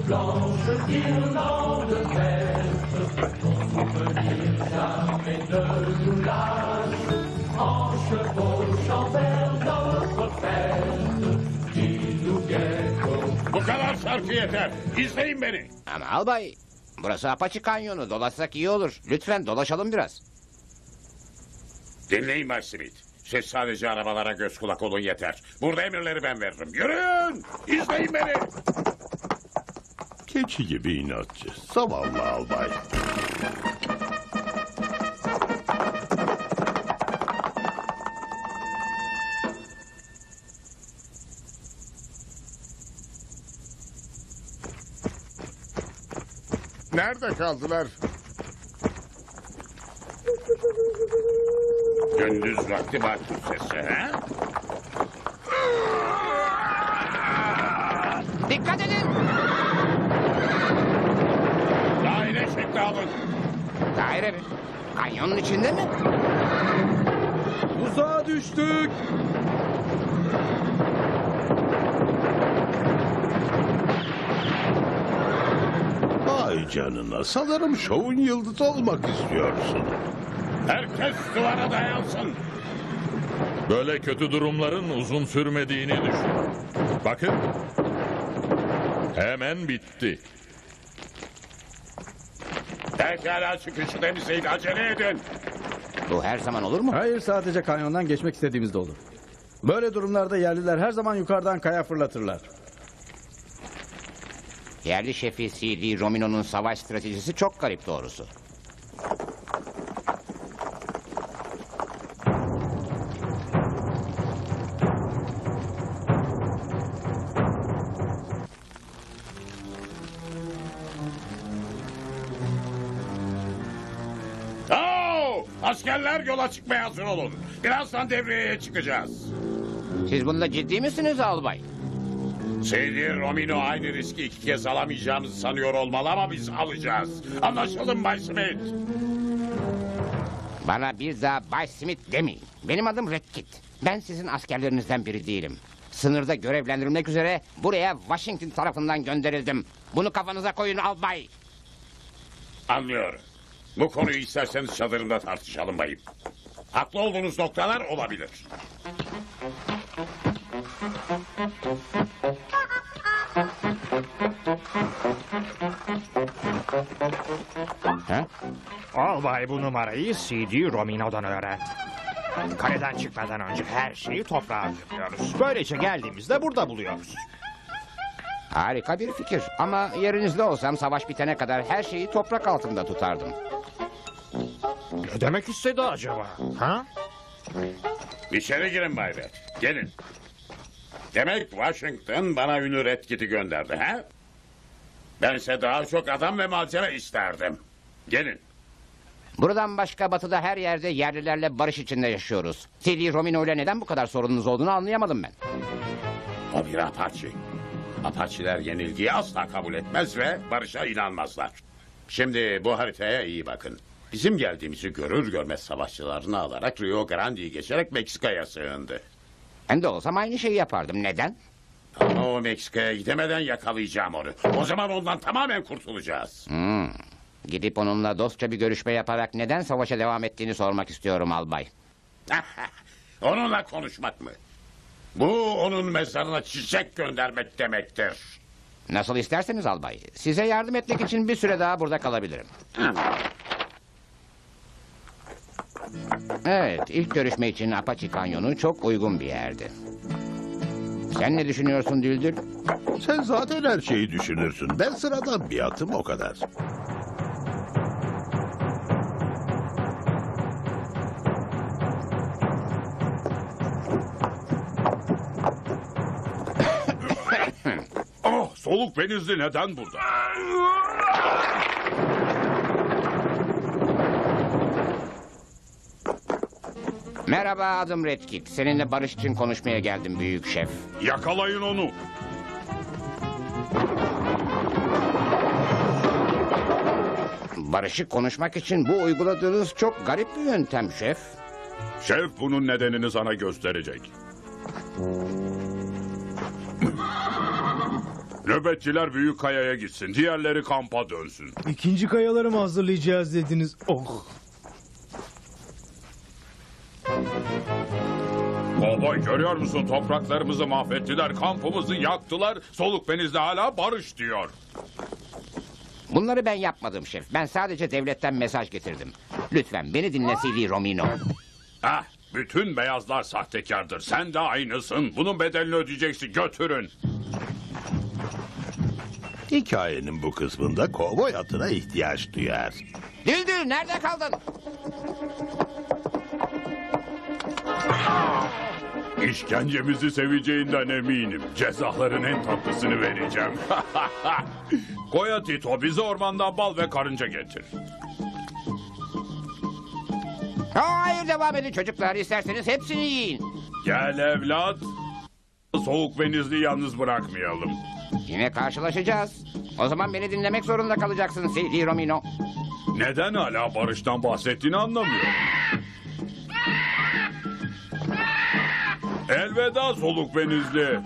Blanche guirlande verte, ton souvenir jamais ne nous lâche. En chevauchant vers notre fête, il nous guette. Bu kadar şarkı yeter. İzleyin beni. Ama albay, burası Apache Kanyonu. Dolaşsak iyi olur. Lütfen dolaşalım biraz. Dinleyin Bay Smith. Siz sadece arabalara göz kulak olun yeter. Burada emirleri ben veririm. Yürüyün! İzleyin beni! Keçi gibi inatçı. Zavallı albay. Nerede kaldılar? Gündüz vakti bakır sesi, ha? Dikkat edin! Daire şekli alın. Daire mi? Kanyonun içinde mi? Uzağa düştük. Vay canına. Sanırım şovun yıldızı olmak istiyorsun. Herkes duvara dayansın. Böyle kötü durumların uzun sürmediğini düşün. Bakın. Hemen bitti. Pekala çıkışı temizleyin. Acele edin. Bu her zaman olur mu? Hayır, sadece kanyondan geçmek istediğimizde olur. Böyle durumlarda yerliler her zaman yukarıdan kaya fırlatırlar. Yerli şefi C.D. Romino'nun savaş stratejisi çok garip doğrusu. Oo! Askerler yola çıkmaya hazır olun. Birazdan devreye çıkacağız. Siz bunda ciddi misiniz albay? C.D. Romino aynı riski iki kez alamayacağımızı sanıyor olmalı ama biz alacağız. Anlaşıldı mı Bay Smith? Bana bir daha Bay Smith demeyin. Benim adım Redkit. Ben sizin askerlerinizden biri değilim. Sınırda görevlendirilmek üzere buraya Washington tarafından gönderildim. Bunu kafanıza koyun albay. Anlıyorum. Bu konuyu isterseniz çadırımda tartışalım bayım. Haklı olduğunuz noktalar olabilir. Ha? Albay bu numarayı C.D. Romino'dan öğrendi. Kaleden çıkmadan önce her şeyi toprağa gömüyoruz. Böylece geldiğimizde burada buluyoruz. Harika bir fikir. Ama yerinizde olsam savaş bitene kadar her şeyi toprak altında tutardım. Ne demek istedi acaba? Ha? İçeri girin Bay Red. Gelin. Demek Washington bana ünlü Redkit'i gönderdi ha? Bense daha çok adam ve malzeme isterdim. Gelin. Buradan başka batıda her yerde yerlilerle barış içinde yaşıyoruz. C.D. Romino ile neden bu kadar sorununuz olduğunu anlayamadım ben. O bir Apache. Apache'ler yenilgiyi asla kabul etmez ve barışa inanmazlar. Şimdi bu haritaya iyi bakın. Bizim geldiğimizi görür görmez savaşçılarını alarak Rio Grande'yi geçerek Meksika'ya sığındı. Ben de olsam aynı şeyi yapardım. Neden? Ama o Meksika'ya gidemeden yakalayacağım onu. O zaman ondan tamamen kurtulacağız. Gidip onunla dostça bir görüşme yaparak neden savaşa devam ettiğini sormak istiyorum albay. Onunla konuşmak mı? Bu onun mezarına çiçek göndermek demektir. Nasıl isterseniz albay. Size yardım etmek için bir süre daha burada kalabilirim. Evet, ilk görüşme için Apache Kanyonu çok uygun bir yerdi. Sen ne düşünüyorsun Düldül? Sen zaten her şeyi düşünürsün. Ben sıradan bir atım o kadar. Oh, soluk benizli neden burada? Merhaba, adım Redkit. Seninle barış için konuşmaya geldim büyük şef. Yakalayın onu. Barışı konuşmak için bu uyguladığınız çok garip bir yöntem şef. Şef bunun nedenini sana gösterecek. Nöbetçiler büyük kayaya gitsin. Diğerleri kampa dönsün. İkinci kayaları mı hazırlayacağız dediniz? Oh. Kovboy görüyor musun? Topraklarımızı mahvettiler. Kampımızı yaktılar. Soluk benizli hala barış diyor. Bunları ben yapmadım şef. Ben sadece devletten mesaj getirdim. Lütfen beni dinle CD Romino. Ah, bütün beyazlar sahtekardır. Sen de aynısın. Bunun bedelini ödeyeceksin. Götürün. Hikayenin bu kısmında kovboy atına ihtiyaç duyar. Düldül nerede kaldın? İşkencemizi seveceğinden eminim. Cezaların en tatlısını vereceğim. Koya Tito, bize ormandan bal ve karınca getir. Hayır, devam edin çocuklar. İsterseniz hepsini yiyin. Gel evlat. Soğuk benizli yalnız bırakmayalım. Yine karşılaşacağız. O zaman beni dinlemek zorunda kalacaksın CD Romino. Neden hala barıştan bahsettiğini anlamıyorum. Elveda soluk benizli.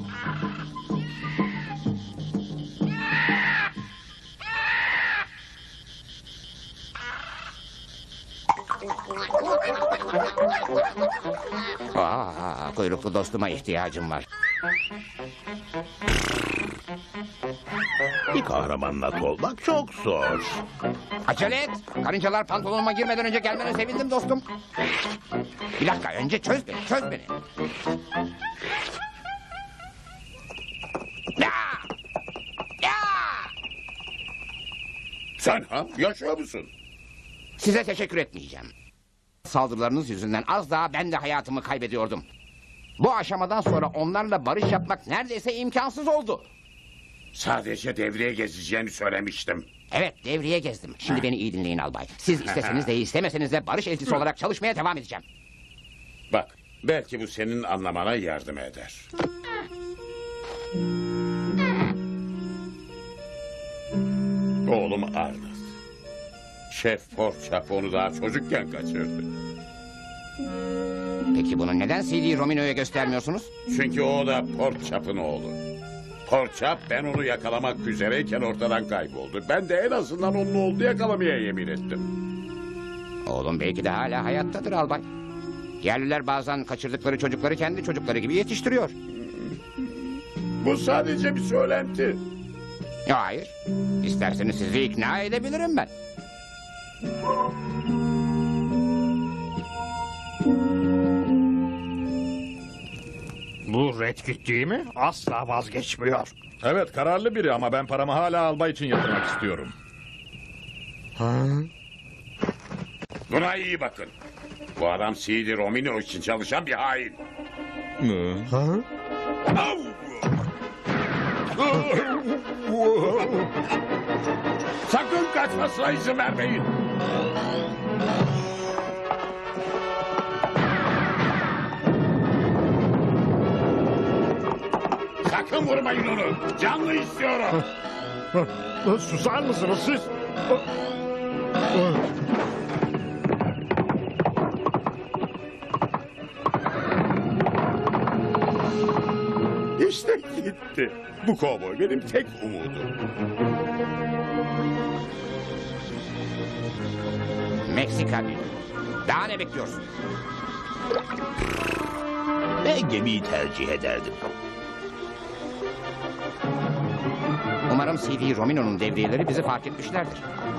Kuyruklu dostuma ihtiyacım var. Bir kahramanla olmak çok zor. Acele et. Karıncalar pantolonuma girmeden önce gelmene sevindim dostum. Bir dakika, önce çöz beni. Ya! Ya! Sen ha? Yaşıyor musun? Size teşekkür etmeyeceğim. Saldırılarınız yüzünden az daha ben de hayatımı kaybediyordum. Bu aşamadan sonra onlarla barış yapmak neredeyse imkansız oldu. Sadece devreye gezeceğini söylemiştim. Evet, devriye gezdim. Şimdi beni iyi dinleyin albay. Siz isteseniz de istemeseniz de barış elçisi olarak çalışmaya devam edeceğim. Bak, belki bu senin anlamana yardım eder. Oğlum Arnold. Şef Porçap onu daha çocukken kaçırdı. Peki bunu neden CD Romino'ya göstermiyorsunuz? Çünkü o da Porçap'ın oğlu. Porçap ben onu yakalamak üzereyken ortadan kayboldu. Ben de en azından onun oğlunu yakalamaya yemin ettim. Oğlum belki de hala hayattadır albay. Yerliler bazen kaçırdıkları çocukları kendi çocukları gibi yetiştiriyor. Bu sadece bir söylenti. Hayır. İsterseniz sizi ikna edebilirim ben. Bu Redkit değil mi? Asla vazgeçmiyor. Evet, kararlı biri ama ben paramı hala albay için yatırmak istiyorum. Buna iyi bakın. Bu adam CD Romino için çalışan bir hain. Au! Sakın kaçmasına izin vermeyin. Sakın vurmayın onu. Canlı istiyorum. Susar mısınız siz? İşte gitti. Bu kovboy benim tek umudum. Meksika bir. Daha ne bekliyorsun? Ben gemiyi tercih ederdim. Umarım CD Romino'nun devriyeleri bizi fark etmişlerdir.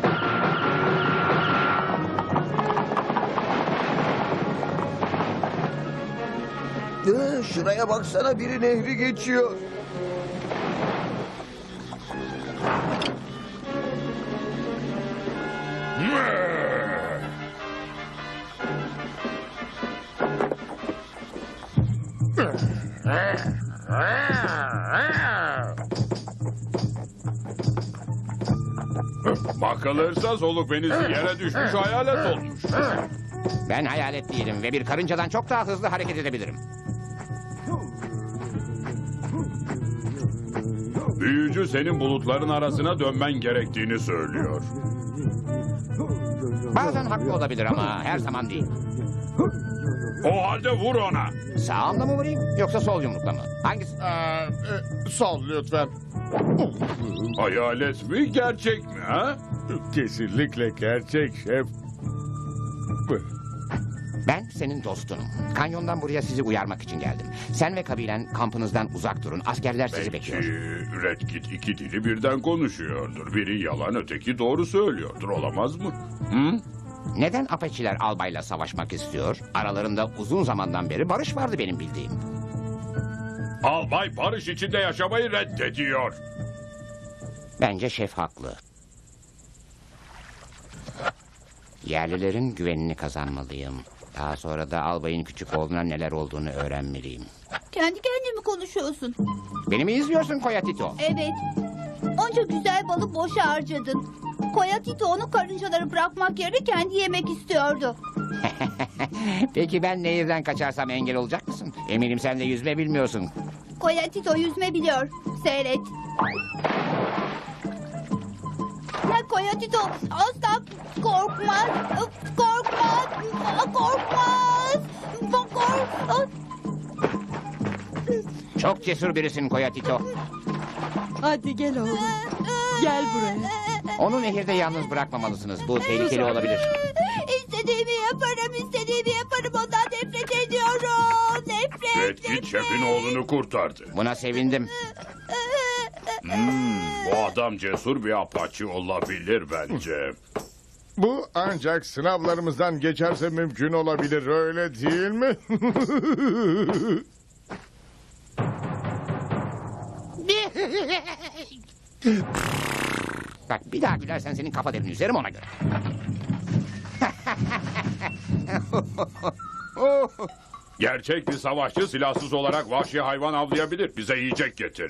Şuraya baksana, biri nehri geçiyor. Bakılırsa soluk benizli yere düşmüş hayalet olmuş. Ben hayalet değilim ve bir karıncadan çok daha hızlı hareket edebilirim. Büyücü senin bulutların arasına dönmen gerektiğini söylüyor. Bazen haklı olabilir ama her zaman değil. O halde vur ona. Sağımla mı vurayım yoksa sol yumrukla mı? Hangisi? Sol lütfen. Hayalet mi gerçek mi ha? Kesinlikle gerçek şef. Ben senin dostunum. Kanyondan buraya sizi uyarmak için geldim. Sen ve kabilen kampınızdan uzak durun. Askerler sizi Belki bekliyor. Red Kit iki dili birden konuşuyordur. Biri yalan öteki doğru söylüyordur, olamaz mı? Hı? Neden Apache'ler albayla savaşmak istiyor? Aralarında uzun zamandan beri barış vardı benim bildiğim. Albay barış içinde yaşamayı reddediyor. Bence şef haklı. Yerlilerin güvenini kazanmalıyım. Daha sonra da albayın küçük oğluna neler olduğunu öğrenmeliyim. Kendi kendine mi konuşuyorsun? Beni mi izliyorsun Koyatito? Evet. Onca güzel balı boşa harcadın. Koyatito onu karıncaları bırakmak yerine kendi yemek istiyordu. Peki ben nehirden kaçarsam engel olacak mısın? Eminim sen de yüzme bilmiyorsun. Koyatito yüzme biliyor. Seyret. Ya Koyatito asla korkmaz. Korkmaz. Korkmaz. Korkmaz. Çok cesur birisin Koyatito. Hadi gel oğlum. Gel buraya. Onu nehirde yalnız bırakmamalısınız. Bu tehlikeli olabilir. İstediğimi yaparım, istediğimi yaparım. Ondan nefret ediyorum. Nefret. Red Kit şefin oğlunu kurtardı. Buna sevindim. Bu adam cesur bir apaçı olabilir bence. Bu ancak sınavlarımızdan geçerse mümkün olabilir, öyle değil mi? Bak bir daha gülersen senin kafa derini üzerim ona göre. Gerçek bir savaşçı silahsız olarak vahşi hayvan avlayabilir. Bize yiyecek getir.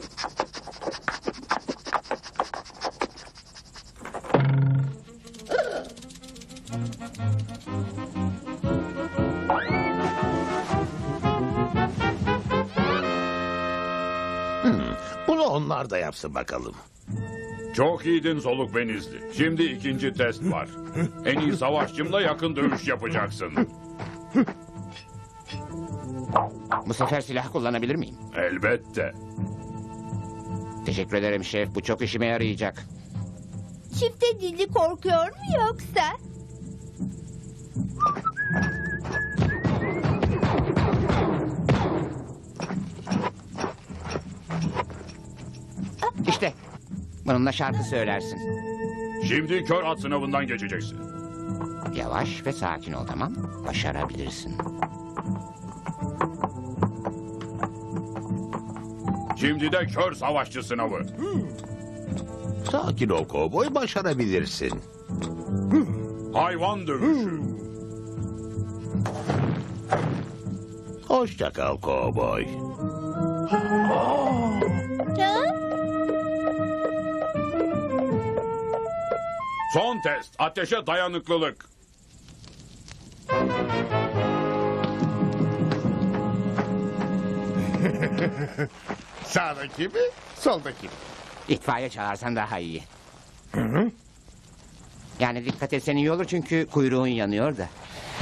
Bunu onlar da yapsın bakalım. Çok iyiydin soluk benizli. Şimdi ikinci test var. En iyi savaşçımla yakın dövüş yapacaksın. Bu sefer silah kullanabilir miyim? Elbette. Teşekkür ederim şef. Bu çok işime yarayacak. Çifte dilli korkuyor mu yoksa? İşte bununla şarkı söylersin. Şimdi kör at sınavından geçeceksin. Yavaş ve sakin ol, tamam? Başarabilirsin. Şimdi de kör savaşçı sınavı. Sakin ol kovboy, başarabilirsin. Hayvan dövüşü. Hoşça kal kovboy. Son test. Ateşe dayanıklılık. Sağdaki mi, soldaki mi? İtfaiye çağırsan daha iyi. Yani dikkat etsen iyi olur çünkü kuyruğun yanıyor da.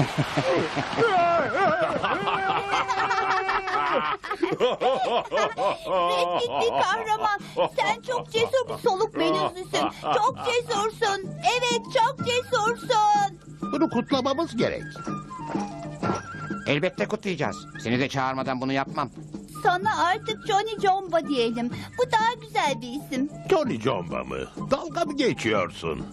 Red Kit bir kahraman. Sen çok cesur bir soluk benizlisin. Çok cesursun. Evet, çok cesursun. Bunu kutlamamız gerek. Elbette kutlayacağız. Seni de çağırmadan bunu yapmam. Sana artık Johnny Jomba diyelim. Bu daha güzel bir isim. Johnny Jomba mı? Dalga mı geçiyorsun?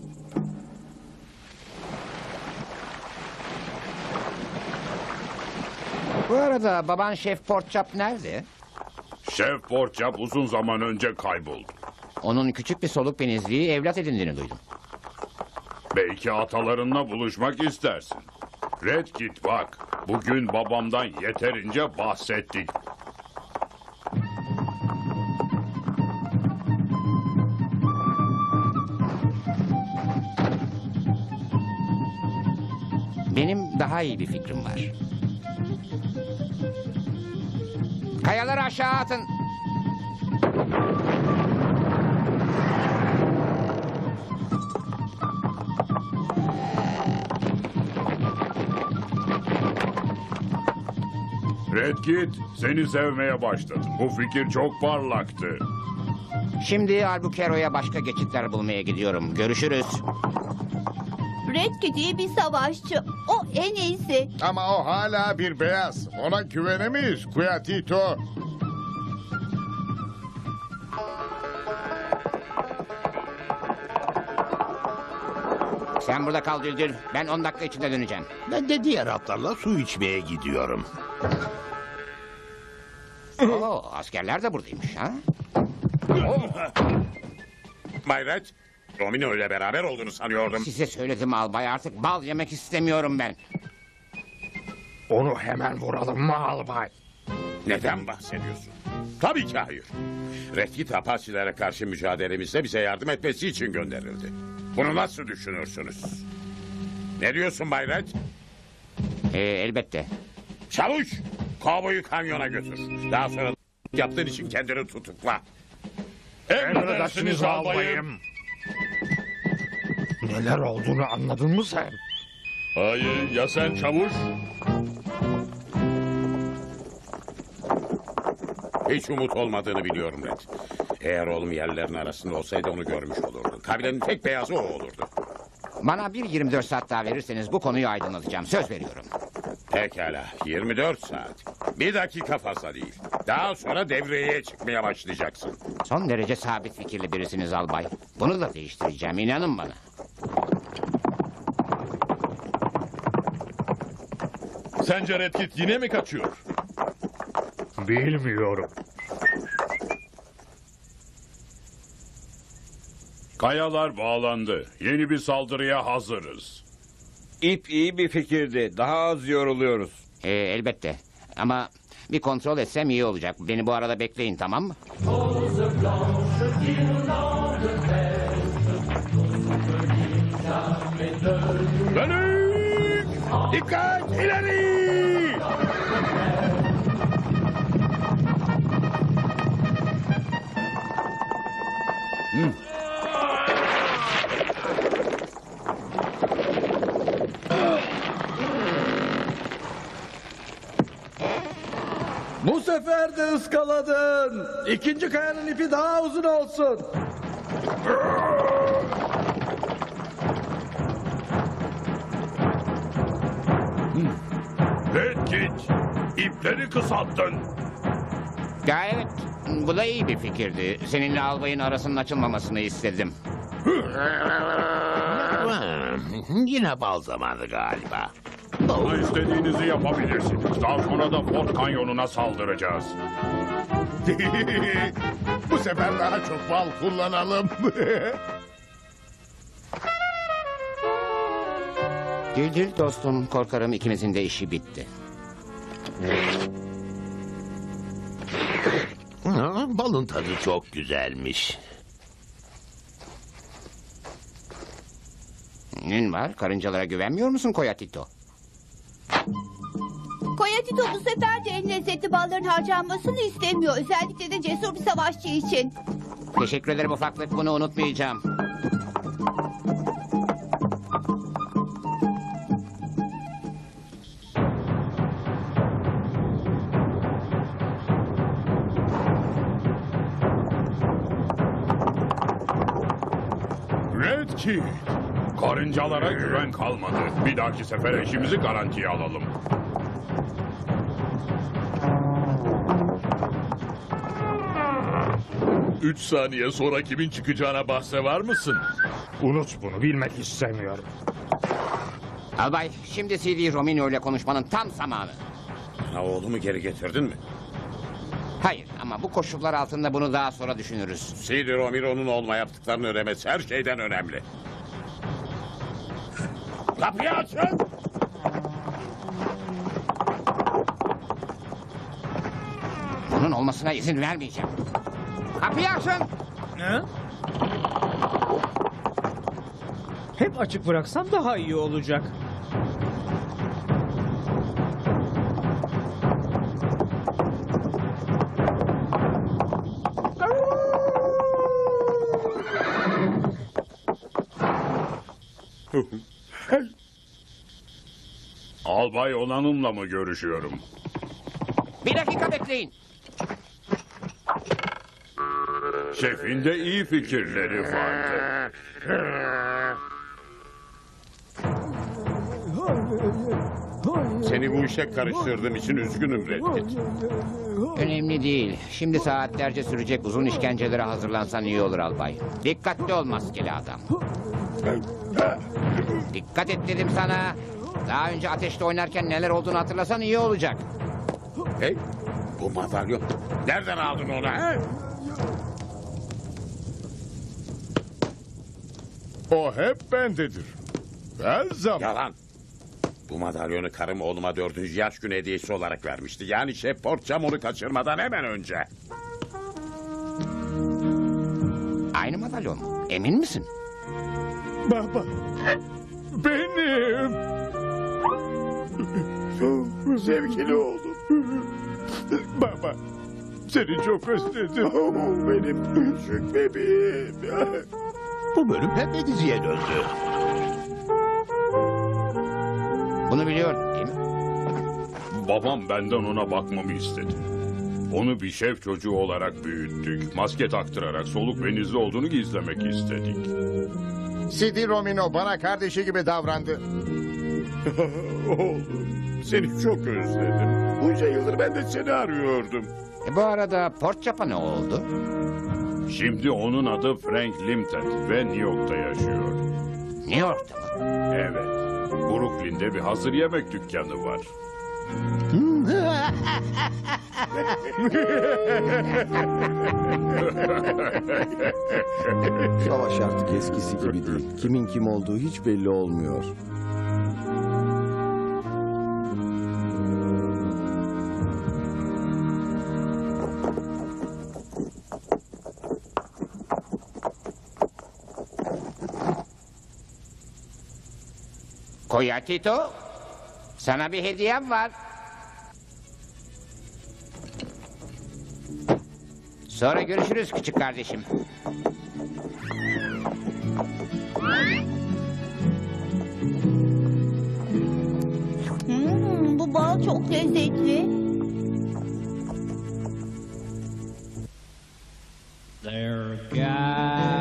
Bu arada baban Şef Portchap nerede? Şef Portchap uzun zaman önce kayboldu. Onun küçük bir soluk benizliği evlat edindiğini duydum. Belki atalarınla buluşmak istersin. Red Kit bak, bugün babamdan yeterince bahsettik. Benim daha iyi bir fikrim var. Kayaları aşağı atın. Red Kit, seni sevmeye başladım. Bu fikir çok parlaktı. Şimdi Albuquerque'ye başka geçitler bulmaya gidiyorum. Görüşürüz. Red Kit iyi bir savaşçı. O en iyisi. Ama o hala bir beyaz. Ona güvenemeyiz Kuyatito. Sen burada kal Düldül. Ben 10 dakika içinde döneceğim. Ben de diğer atlarla su içmeye gidiyorum. Oo, askerler de buradaymış ha? Bay Red, Romino ile beraber olduğunu sanıyordum. Size söyledim albay, artık bal yemek istemiyorum ben. Onu hemen vuralım mı albay? Neden bahsediyorsun? Tabii ki hayır. Red Kit Apache'lere karşı mücadelemizde bize yardım etmesi için gönderildi. Bunu nasıl düşünürsünüz? Ne diyorsun Bay Red? Elbette. Çavuş, kovboyu kanyona götür. Daha sonra yaptığın için kendini tutukla. Emredersiniz albayım. Neler olduğunu anladın mı sen? Hayır, ya sen çavuş? Hiç umut olmadığını biliyorum Red. Eğer oğlum yerlerin arasında olsaydı onu görmüş olurdu. Kabilenin tek beyazı o olurdu. Bana bir 24 saat daha verirseniz bu konuyu aydınlatacağım. Söz veriyorum. Pekala, 24 saat. Bir dakika fazla değil. Daha sonra devreye çıkmaya başlayacaksın. Son derece sabit fikirli birisiniz albay. Bunu da değiştireceğim, inanın bana. Sence Red Kit yine mi kaçıyor? Bilmiyorum. Kayalar bağlandı. Yeni bir saldırıya hazırız. İp iyi bir fikirdi. Daha az yoruluyoruz. Elbette. Ama bir kontrol etsem iyi olacak. Beni bu arada bekleyin, tamam mı? Dönük! Dikkat! İleri! Bu sefer de ıskaladın. İkinci kayanın ipi daha uzun olsun. Red Kit, ipleri kısalttın. Ya evet, bu da iyi bir fikirdi. Seninle albayın arasının açılmamasını istedim. Yine bal zamanı galiba. Ama istediğinizi yapabilirsiniz. Daha sonra da Fort Kanyonuna saldıracağız. Bu sefer daha çok bal kullanalım. Düldül dostum, korkarım ikimizin de işi bitti. Balın tadı çok güzelmiş. Nin var? Karıncalara güvenmiyor musun Koyatito? Koyatito bu sefer de en lezzetli balların harcanmasını istemiyor. Özellikle de cesur bir savaşçı için. Teşekkür ederim ufaklık, bunu unutmayacağım. Red Kit, karıncalara güven kalmadı. Bir dahaki sefere işimizi garantiye alalım. Üç saniye sonra kimin çıkacağına bahse var mısın? Unut bunu, bilmek istemiyorum. Albay, şimdi CD Romino ile konuşmanın tam zamanı. Bana oğlumu geri getirdin mi? Hayır, ama bu koşullar altında bunu daha sonra düşünürüz. C.D. Romero'nun olma yaptıklarını öğrenmesi her şeyden önemli. Kapıyı açın! Bunun olmasına izin vermeyeceğim. Kapıyı açın! Ne? Hep açık bıraksam daha iyi olacak. Albay Onan'ımla mı görüşüyorum? Bir dakika bekleyin. Şefin de iyi fikirleri vardı. Seni bu işe karıştırdığım için üzgünüm Red Kit. Önemli değil. Şimdi saatlerce sürecek uzun işkencelere hazırlansan iyi olur albay. Dikkatli ol maskeli adam. Dikkat et dedim sana. Daha önce ateşte oynarken neler olduğunu hatırlasan iyi olacak. Hey, bu madalyon. Nereden aldın onu ha? O hep bendedir. Her zaman. Yalan. Bu madalyonu karım oğluma 4. yaş günü hediyesi olarak vermişti. Yani Şef Portçam onu kaçırmadan hemen önce. Aynı madalyon mu? Emin misin? Baba. Benim. Sevgili oğlum. Baba. Seni çok özledim. Benim küçük bebeğim. Bu bölüm pembe diziye döndü. Bunu biliyordun değil mi? Babam benden ona bakmamı istedi. Onu bir şef çocuğu olarak büyüttük. Maske taktırarak soluk benizli olduğunu gizlemek istedik. Sidi Romino bana kardeşi gibi davrandı. Oğlum, seni çok özledim. Bunca yıldır ben de seni arıyordum. Bu arada Portçap'a ne oldu? Şimdi onun adı Frank Limted ve New York'ta yaşıyor. New York'ta mı? Evet. Brooklyn'de bir hazır yemek dükkanı var. Savaş artık eskisi gibi değil. Kimin kim olduğu hiç belli olmuyor. Koyatito, sana bir hediyem var. Sonra görüşürüz küçük kardeşim. Bu bal çok lezzetli. There are guys